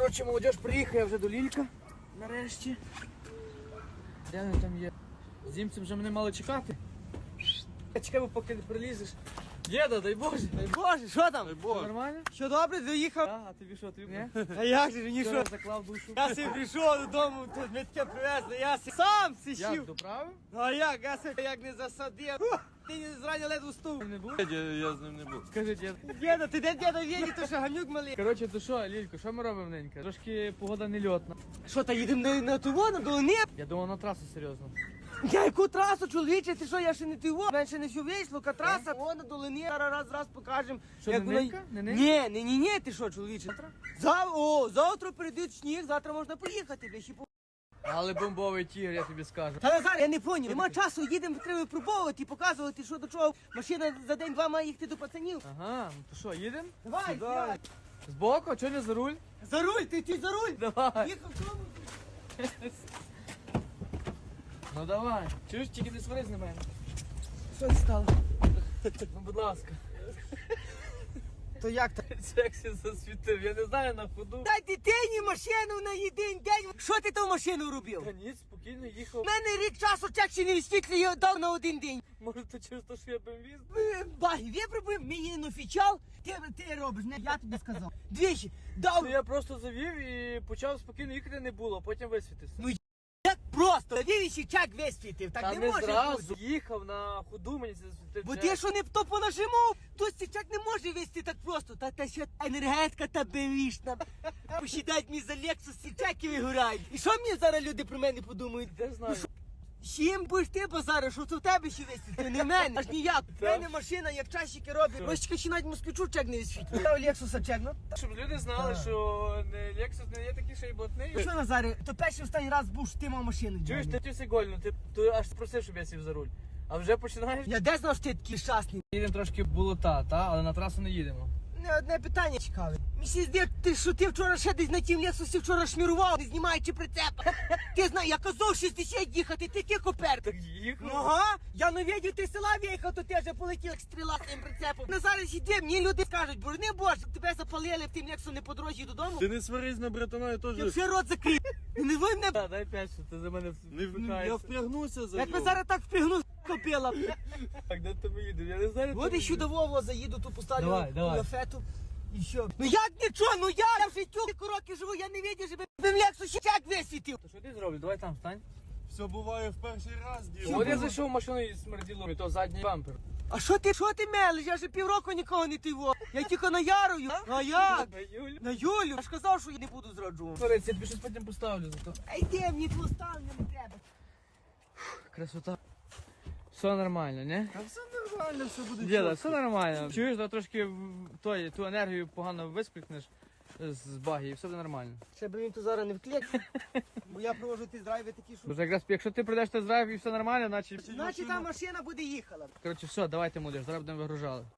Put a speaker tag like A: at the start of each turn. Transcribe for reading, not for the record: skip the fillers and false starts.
A: Коротше, молодіж, приїхав я вже до Лілька. Нарешті. Де вони там є? З німцем вже мене мали чекати. Я чекаю, поки не прилізеш. Діда, дай Боже.
B: Дай Боже, що там?
A: Все нормально?
B: Що добре, доїхав?
A: А тобі що, тобі? Ні?
B: А як же, мені
A: Вчора
B: що?
A: заклав душу.
B: Я собі прийшов додому, тут ми таке привезли, я сам
A: Як,
B: сів.
A: доправив?
B: А як, я себе як не засадив. Ти зрані ледве встув.
A: Не був?
C: Я з ним не був.
A: Скажи, дід.
B: Діда, ти де діда в'їді, то що гамнюк малий.
A: Коротше, то що, Лілько, що ми робимо, ненька? Трошки погода не льотна.
B: Що, та їдемо на того, на долини?
A: Я думав на трасу, серйозно.
B: Я яку трасу, чоловіче, ти що, я ще не того. Менше не все вийшло, ка траса, о, на долини, раз покажемо.
A: Що,
B: як
A: не
B: вона-
A: ненька? Не ненька?
B: Ні, ти що, чоловіче? Завтра прийдуть сніг, завтра можна поїхати, бля, ще по...
A: Але бомбовий тігр, я тобі скажу.
B: Та Назар, я не поняв, нема часу, їдемо, треба випробовувати, показувати, що до чого. Машина за день-два має їхати до пацанів.
A: Ага, ну то що, їдемо?
B: Давай, сідай.
A: Збоку, а чого не за руль?
B: За руль, ти за руль.
A: Давай.
B: Їхав в тому.
A: Ну давай. Чуєш, тільки не сварись на мене.
B: Що це стало?
A: Ну, будь ласка.
B: То як так?
A: Сексі засвітив, я не знаю на ходу.
B: Дай дитині машину на єдин день. Що ти ту машину робив?
A: Та ні, спокійно
B: У
A: їхав.
B: мене рік часу чек ще не висвітлює, дав на один день.
A: Може, то через те, що я бомбіст?
B: Баги, випробуємо, мені не офіціал, ти робиш, не я тобі сказав. Двічі, дав.
A: Ну я просто завів і почав спокійно їхати не було, потім висвітився.
B: Ну, як просто, вівіші чек висвітив, так
A: Та
B: не
A: не
B: може
A: зразу
B: бути.
A: їхав на ходу, мені це засвітив.
B: Бо
A: чек.
B: ти що не то понажимав, то чек не може вести так просто. Та ще енергетика та белішна. Посідать мені за Лексус і чеки вигорають. І що мені зараз люди про мене подумають?
A: Де знаю.
B: З чим будеш ти базариш, що це в тебе ще висвітлює, не в мене. Аж ніяк. В мене машина, як часики робить. Рощика ще навіть москвичу чек не висвітлює. Я у Лексуса чек, ну.
A: Щоб люди знали, що не Lexus не є такий ще й блатний.
B: Ну що, Назаре, то перший останній раз був, що ти мав машину.
A: Чуєш,
B: Джоні.
A: ти все гольно, ти аж просив, щоб я сів за руль. А вже починаєш?
B: Я де знав, що ти такий щасний?
A: Їдемо трошки болота, але на трасу не їдемо.
B: Не одне питання цікаве. Мені здається, ти що ти вчора ще десь на тім Лексусі вчора шмірував, не знімаючи прицепа. Ти знаєш, я казав 60 їхати, ти ки копер.
A: Так їхав.
B: Ну ага, я не видів, ти з села виїхав, то ти вже полетів як стріла з тим прицепом. На зараз іди, мені люди скажуть, борони Боже, щоб тебе запалили в тим Лексу не по дорозі додому.
C: Ти не сварись на братана, я теж
B: Я все рот закрив. Не ви мене.
A: Та, дай 5, що ти за мене
C: я
A: впихаєшся.
C: впрягнуся за
B: Як ми
C: нього.
B: зараз так впрягну, копила.
A: Так, де ти їдемо? Я не знаю, де
B: От
A: ти
B: і ще до Вову заїду, ту поставлю
A: Давай.
B: лафету. І що? Ну як нічого, ну я в життю роки живу, я не видів, щоб в Лексу ще чек висвітив.
A: То що ти зроблю? Давай там стань.
C: Все буває в перший раз, діло.
A: От я зайшов в машину і смерділо, і то задній бампер.
B: А що ти мелиш? Я вже півроку нікого не тиво. Я тільки наярую. А як?
A: На Юлю.
B: На Юлю? Я ж казав, що я не буду зраджувати.
A: Свариться, я тобі щось потім поставлю за то.
B: А йди, мені твого ставлення не треба.
A: Красота. Все нормально, не?
C: А все нормально, все буде
A: Діда,
C: чітко.
A: все нормально. Чуєш, да трошки ту енергію погано висплікнеш з баги і все буде нормально.
B: Ще б він тут зараз не вклеїв. Бо я провожу ті драйви такі, що...
A: Бо якраз якщо ти прийдеш тест драйв і все нормально, значить...
B: Значить, та машина буде їхала.
A: Коротше, все, давайте, молодіж, зараз будемо вигружали.